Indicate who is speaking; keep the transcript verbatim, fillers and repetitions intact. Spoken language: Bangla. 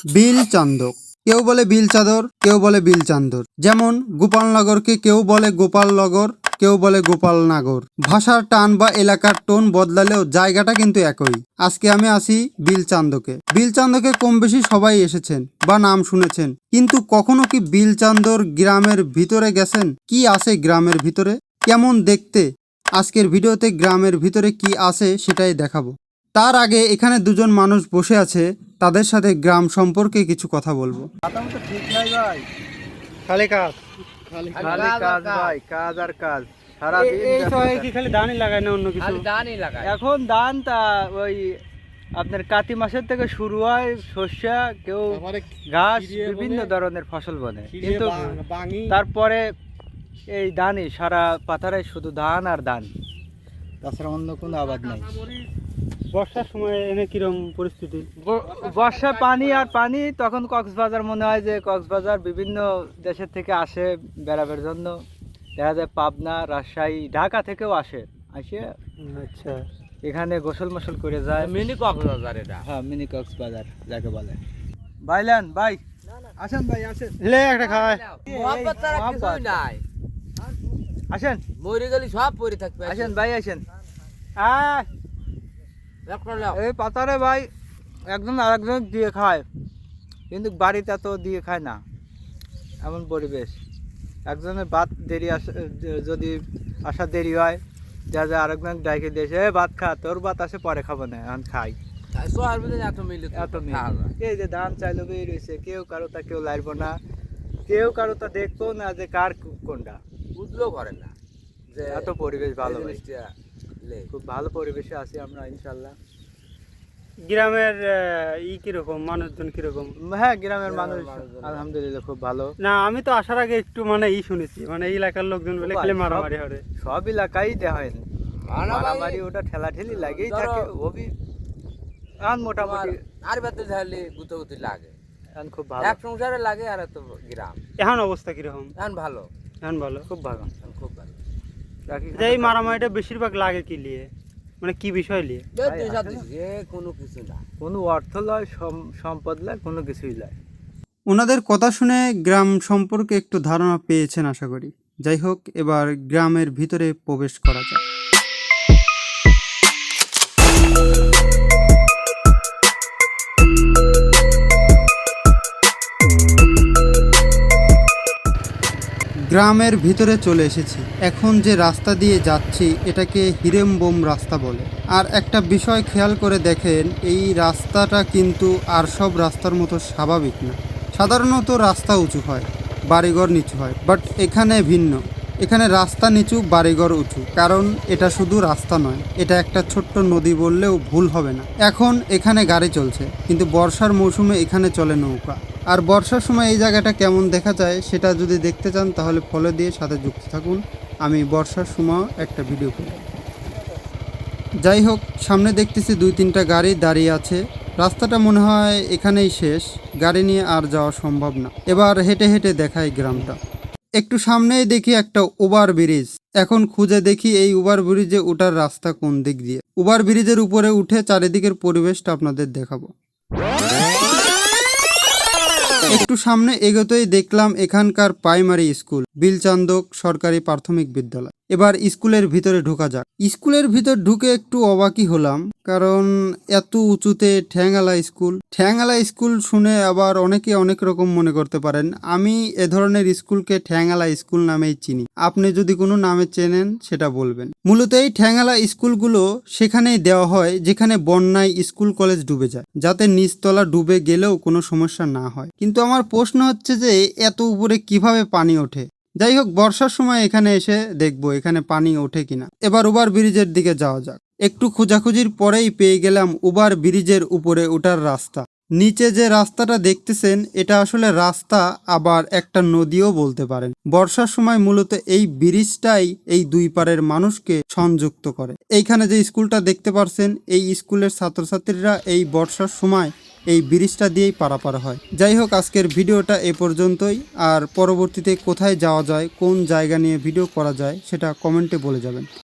Speaker 1: বিল চান্দক, কেউ বলে বিল চাদর, কেউ বলে বিল চান্দর। যেমন গোপালনগরকে কেউ বলে গোপালনগর, কেউ বলে গোপালনগর। ভাষার টান বা এলাকার টোন বদলালেও জায়গাটা কিন্তু একই। আজকে আমি আসি বিল চান্দকে। বিল চান্দকে কম বেশি সবাই এসেছেন বা নাম শুনেছেন, কিন্তু কখনো কি বিল চান্দর গ্রামের ভিতরে গেছেন? কি আছে গ্রামের ভিতরে, কেমন দেখতে? আজকের ভিডিওতে গ্রামের ভিতরে কি আছে সেটাই দেখাবো। তার আগে এখানে দুজন মানুষ বসে আছে, তাদের সাথে গ্রাম সম্পর্কে কিছু কথা বলবো।
Speaker 2: ঠিক নাই ভাই,
Speaker 1: খালি কাজ,
Speaker 2: খালি কাজ ভাই, কাজ আর কাজ সারাদিন।
Speaker 1: এই সময় কি খালি ধানই লাগায় না অন্য কিছু?
Speaker 3: ধানই লাগায়
Speaker 2: এখন ধান তা ওই আপনার কাতি মাসের থেকে শুরু হয়, শস্য, কেউ ঘাস, বিভিন্ন ধরনের ফসল বনে, কিন্তু তারপরে এই ধানই সারা পাথারে শুধু ধান আর ধান, তাছাড়া অন্য কোনো আবাদ নাই।
Speaker 1: বর্ষার সময় এনে কিরম পরিস্থিতি?
Speaker 2: বর্ষায় পানি আর পানি, তখন কক্সবাজার মনে হয় যে কক্সবাজার বিভিন্ন দেশের থেকে আসে বেড়াবের জন্য, দেখা যায় পাবনা, রাজশাহী, ঢাকা থেকেও আসে, আসে
Speaker 1: আচ্ছা
Speaker 2: এখানে গোসল মোসল করে যায়।
Speaker 3: মিনি কক্সবাজার এটা।
Speaker 2: হ্যাঁ, মিনি কক্সবাজার যাকে বলে। ভাইলান ভাই, আসেন ভাই, আসেন,
Speaker 1: লে একটা খায়।
Speaker 3: মোহাম্মদ ছাড়া কিছুই নাই।
Speaker 2: আসেন,
Speaker 3: মরে গেলে সব পরে থাকবে।
Speaker 2: আসেন ভাই, আসেন।
Speaker 1: আয়
Speaker 3: একটা নাও।
Speaker 2: এই পাতারে ভাই একজন আরেকজন দিয়ে খায়, কিন্তু বাড়িতে তো দিয়ে খায় না, এমন পরিবেশ। একজনের ভাত দেরি আসে, যদি আসা দেরি হয়, যা যা আরেকজন ডাইকে দিয়েছে, এ ভাত খা, তোর ভাত আসে পরে খাবো না, এখন খাই।
Speaker 3: শহর ভিতরে এত মিলে তো
Speaker 2: এত
Speaker 3: খাওয়া যায়।
Speaker 2: এই যে ধান চাইলো বের হয়েছে, কেউ কারো তা কেউ লাইব না, কেউ কারো তা দেখবো না যে কার কোনটা,
Speaker 3: বুঝলেও করে না যে
Speaker 2: এত পরিবেশ ভালো
Speaker 3: এই
Speaker 2: ভাই।
Speaker 3: জিনিসটা লে।
Speaker 2: খুব ভালো পরিবেশে আছি আমরা ইনশাল্লাহ।
Speaker 1: গ্রামের আহ, ই কিরকম, মানুষজন কিরকম?
Speaker 2: হ্যাঁ, গ্রামের মানুষ
Speaker 3: মানুষজন
Speaker 2: আলহামদুলিল্লাহ খুব ভালো।
Speaker 1: না আমি তো আসার আগে একটু মানে ই শুনেছি, মানে এই এলাকার লোকজন বলে খেলে মারামারি হয়।
Speaker 2: সব এলাকায় দেখেন
Speaker 3: মারামারি-
Speaker 2: মারামারি, ওটা ঠেলা ঠেলি লাগেই
Speaker 3: ধরো-
Speaker 2: থাকে। ওবি এখন মোটামুটি
Speaker 3: আর বাতে ঝালি গুতগুতি লাগে,
Speaker 2: এখন খুব ভালো,
Speaker 3: এক সংসারে লাগে। আর এত গ্রাম
Speaker 1: এখন অবস্থা কিরকম?
Speaker 3: এখন ভালো,
Speaker 1: এখন ভালো।
Speaker 2: খুব ভালো।
Speaker 3: এখন খুব ভালো।
Speaker 2: বাকি
Speaker 1: যে এই মারামারিটা বেশিরভাগ লাগে কি লিয়ে, মানে কি বিষয় লিয়ে?
Speaker 3: যে দুই সাত দিন, যে কোনো কিছু না।
Speaker 2: কোনো অর্থ লয়, সম- সম্পদ লয়, কোনো কিছুই লয়।
Speaker 1: ওনাদের কথা শুনে গ্রাম সম্পর্কে একটু ধারণা পেয়েছেন আশা করি। যাই হোক, এবার গ্রামের ভিতরে প্রবেশ করা যাক। গ্রামের ভিতরে চলে এসেছি। এখন যে রাস্তা দিয়ে যাচ্ছি এটাকে হিরেমবোম রাস্তা বলে। আর একটা বিষয় খেয়াল করে দেখেন, এই রাস্তাটা কিন্তু আর সব রাস্তার মতো স্বাভাবিক না। সাধারণত রাস্তা উঁচু হয়, বাড়িঘর নিচু হয়, বাট এখানে ভিন্ন। এখানে রাস্তা নিচু, বাড়িঘর উঁচু। কারণ এটা শুধু রাস্তা নয়, এটা একটা ছোট্ট নদী বললেও ভুল হবে না। এখন এখানে গাড়ি চলছে, কিন্তু বর্ষার মৌসুমে এখানে চলে নৌকা। আর বর্ষার সময় এই জায়গাটা কেমন দেখা যায় সেটা যদি দেখতে চান তাহলে ফলো দিয়ে সাথে যুক্ত থাকুন। আমি বর্ষার সময় একটা ভিডিও করি। যাই হোক, সামনে দেখতেছি দুই তিনটা গাড়ি দাঁড়িয়ে আছে। রাস্তাটা মনে হয় এখানেই শেষ, গাড়ি নিয়ে আর যাওয়া সম্ভব না। এবার হেঁটে হেঁটে দেখাই গ্রামটা। একটু সামনেই দেখি একটা ওভার ব্রিজ। এখন খুঁজে দেখি এই ওভার ব্রিজে ওঠার রাস্তা কোন দিক দিয়ে। ওভার ব্রিজের উপরে উঠে চারিদিকের পরিবেশটা আপনাদের দেখাবো। একটু সামনে এগোতেই দেখলাম এখানকার প্রাইমারি স্কুল, বিলচান্দক সরকারি প্রাথমিক বিদ্যালয়। এবার স্কুলের ভিতরে ঢোকা যাক। স্কুলের ভিতর ঢুকে একটু অবাকই হলাম, কারণ এত উঁচুতে ঠ্যাংআলা স্কুল। ঠ্যাংআলা স্কুল শুনে আবার অনেকে অনেক রকম মনে করতে পারেন। আমি এ ধরনের স্কুলকে ঠ্যাংআলা স্কুল নামেই চিনি। আপনি যদি কোনো নামে চেনেন সেটা বলবেন। মূলত এই ঠ্যাংআলা স্কুলগুলো সেখানেই দেওয়া হয় যেখানে বন্যায় স্কুল কলেজ ডুবে যায়, যাতে নিচতলা ডুবে গেলেও কোনো সমস্যা না হয়। কিন্তু আমার প্রশ্ন হচ্ছে যে এত উপরে কিভাবে পানি ওঠে? যাই হোক, বর্ষার সময় এখানে এসে দেখবো এখানে পানি ওঠে কিনা। এবার ওভার ব্রিজের দিকে যাওয়া যাক। একটু খোঁজাখুঁজির পরেই পেয়ে গেলাম ওভার ব্রিজের উপরে ওঠার রাস্তা। নিচে যে রাস্তাটা দেখতেছেন এটা আসলে রাস্তা, আবার একটা নদীও বলতে পারেন। বর্ষার সময় মূলত এই ব্রিজটাই এই দুই পারের মানুষকে সংযুক্ত করে। এইখানে যে স্কুলটা দেখতে পারছেন, এই স্কুলের ছাত্রছাত্রীরা এই বর্ষার সময় এই ব্রিজটা দিয়েই পারাপার হয়। যাই হোক, আজকের ভিডিওটা এ পর্যন্তই। আর পরবর্তীতে কোথায় যাওয়া যায়, কোন জায়গা নিয়ে ভিডিও করা যায় সেটা কমেন্টে বলে যাবেন।